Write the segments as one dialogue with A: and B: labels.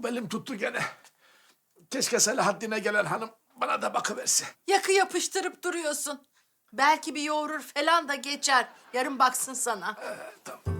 A: belim tuttu gene. Keşke Selahaddin'e gelen hanım bana da bakıverse.
B: Yakı yapıştırıp duruyorsun. Belki bir yoğurur falan da geçer. Yarın baksın sana.
A: Tamam.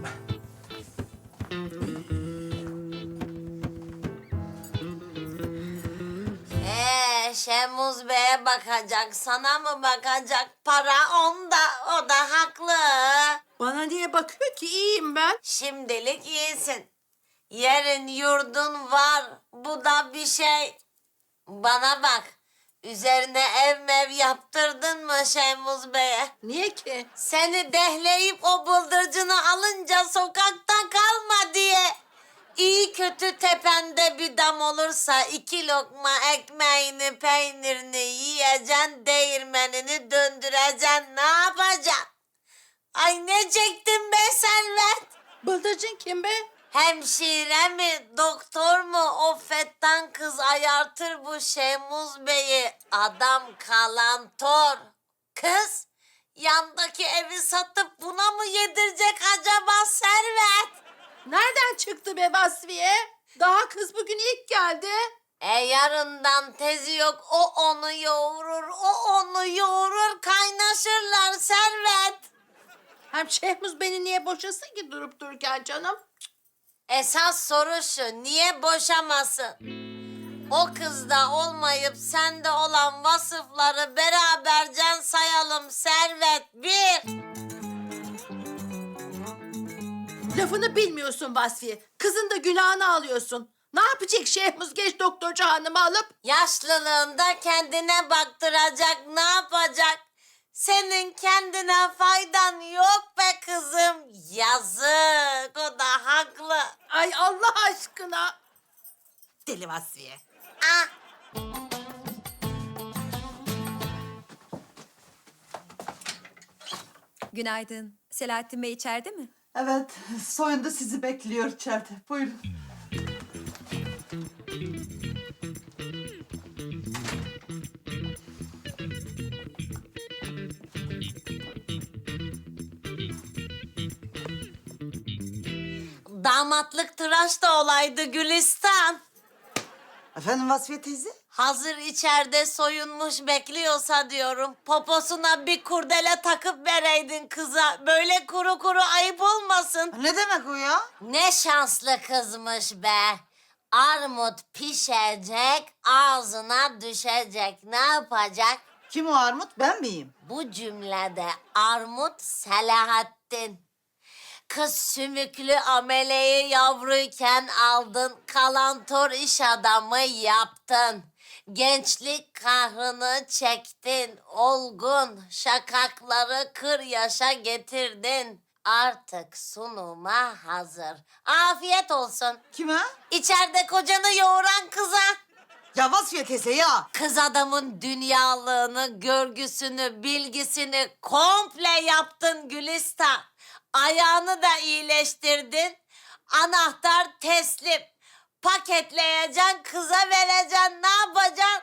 C: Şemuz Bey'e bakacak, sana mı bakacak? Para onda, o da haklı.
B: Bana niye bakıyor ki? İyiyim ben.
C: Şimdilik iyisin. Yerin yurdun var, bu da bir şey. Bana bak, üzerine ev mev yaptırdın mı Şemuz Bey'e?
B: Niye ki?
C: Seni dehleyip o bıldırcını alınca sokakta kalma diye. İyi kötü tepende bir dam olursa 2 lokma ekmeğini peynirini yiyeceksin, değirmenini döndüreceksin, ne yapacaksın? Ay ne çektin be Servet?
B: Bıldırcın kim be?
C: Hemşire mi, doktor mu? O fettan kız ayartır bu Şemuz Bey'i. Adam kalantor. Kız, yandaki evi satıp buna mı yedirecek acaba Servet?
B: Nereden çıktı be Vasfiye? Daha kız bugün ilk geldi.
C: Yarından tezi yok. O onu yoğurur, o onu yoğurur. Kaynaşırlar Servet.
B: Hem Şehmuz beni niye boşasın ki durup dururken canım?
C: Esas soru şu, niye boşamasın? O kızda olmayıp sende olan vasıfları beraberce sayalım Servet. 1.
B: Lafını bilmiyorsun Vasfiye. Kızın da günahını alıyorsun. Ne yapacak Şehmuz genç doktorcu hanımı alıp?
C: Yaşlılığında kendine baktıracak, ne yapacak? Senin kendine faydan yok be kızım. Yazık, o da haklı.
B: Ay Allah aşkına. Deli Vasfiye.
C: Ah.
D: Günaydın. Selahattin Bey içeride mi?
E: Evet, soyundu sizi bekliyor içeride. Buyurun.
C: Damatlık tıraş da olaydı Gülistan.
E: Efendim Vasfiye teyze?
C: Hazır içeride soyunmuş bekliyorsa diyorum. Poposuna bir kurdele takıp vereydin kıza. Böyle kuru kuru ayıp olmasın.
E: Ne demek o ya?
C: Ne şanslı kızmış be. Armut pişecek, ağzına düşecek. Ne yapacak?
E: Kim o Armut? Ben miyim?
C: Bu cümlede armut Selahattin. Kız sümüklü ameleyi yavruyken aldın, kalantor iş adamı yaptın. Gençlik kahrını çektin, olgun şakakları kır yaşa getirdin. Artık sunuma hazır. Afiyet olsun.
E: Kime?
C: İçeride kocanı yoğuran kıza.
E: Ya Vasfiye teyze ya.
C: Kız adamın dünyalığını, görgüsünü, bilgisini komple yaptın Gülistan. Ayağını da iyileştirdin. Anahtar teslim. Paketleyeceksin, kıza vereceksin. Ne yapacaksın?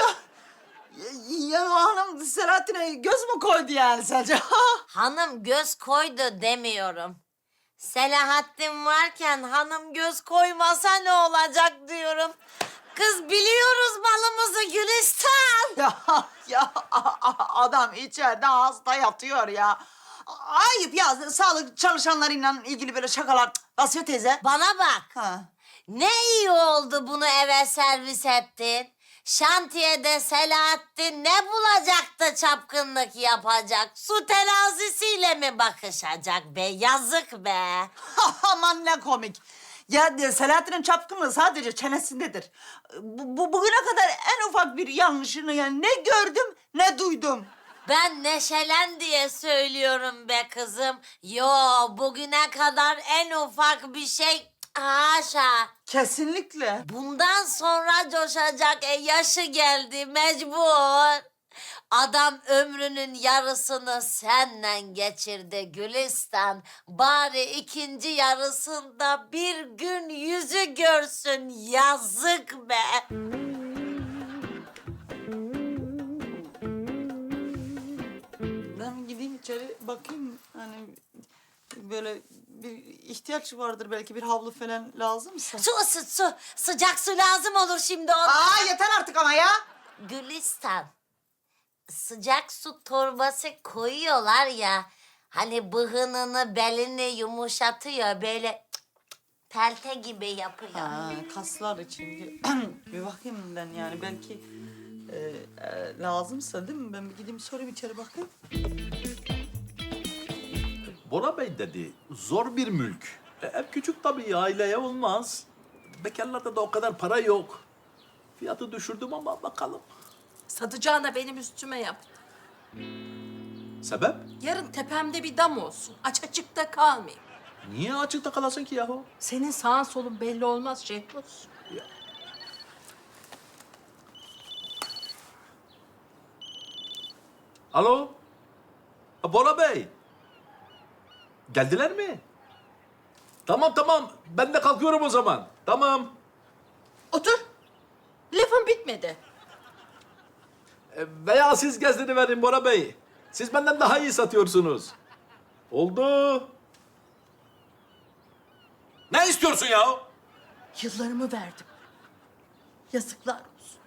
E: Ya o hanım Selahattin'e göz mü koydu yani sence?
C: Hanım göz koydu demiyorum. Selahattin varken hanım göz koymasa ne olacak diyorum. Kız biliyoruz malımızı Gülistan.
E: ya adam içeride hasta yatıyor ya. Ayıp ya, sağlık çalışanlarıyla ilgili böyle şakalar. Vasfiye teyze.
C: Bana bak.
E: Ha.
C: Ne iyi oldu bunu eve servis ettin. Şantiyede Selahattin ne bulacaktı çapkınlık yapacak? Su terazisiyle mi bakışacak be? Yazık be.
E: Aman ne komik. Ya Selahattin'in çapkınlığı sadece çenesindedir. Bugüne kadar en ufak bir yanlışını yani ne gördüm ne duydum.
C: Ben neşelen diye söylüyorum be kızım. Yo, bugüne kadar en ufak bir şey haşa.
E: Kesinlikle.
C: Bundan sonra coşacak, yaşı geldi mecbur. Adam ömrünün yarısını senle geçirdi Gülistan. Bari ikinci yarısında bir gün yüzü görsün, yazık be.
E: Ben gideyim içeri bakayım hani böyle bir ihtiyaç vardır belki bir havlu falan lazımsa.
C: Su ısıt su. Sıcak su lazım olur şimdi ona.
E: Aa yeter artık ama ya.
C: Gülistan. Sıcak su torbası koyuyorlar ya. Hani bıhınını, belini yumuşatıyor. Böyle pelte gibi yapıyor.
E: Ha, kaslar için. Bir bakayım ben yani belki lazımsa değil mi? Ben bir gideyim sorayım içeri bakayım.
A: Bora Bey dedi, zor bir mülk. Ev küçük tabii, aileye olmaz. Bekarlarda da o kadar para yok. Fiyatı düşürdüm ama bakalım.
B: Satacağına benim üstüme yap.
A: Sebep?
B: Yarın tepemde bir dam olsun. Aç açıkta kalmayayım.
A: Niye açıkta kalasın ki yahu?
B: Senin sağın solun belli olmaz Şehmus.
A: Alo? Bora Bey. Geldiler mi? Tamam tamam, ben de kalkıyorum o zaman. Tamam.
B: Otur. Lafın bitmedi.
A: Veya siz verin Bora Bey. Siz benden daha iyi satıyorsunuz. Oldu. Ne istiyorsun ya?
B: Yıllarımı verdim. Yazıklar olsun.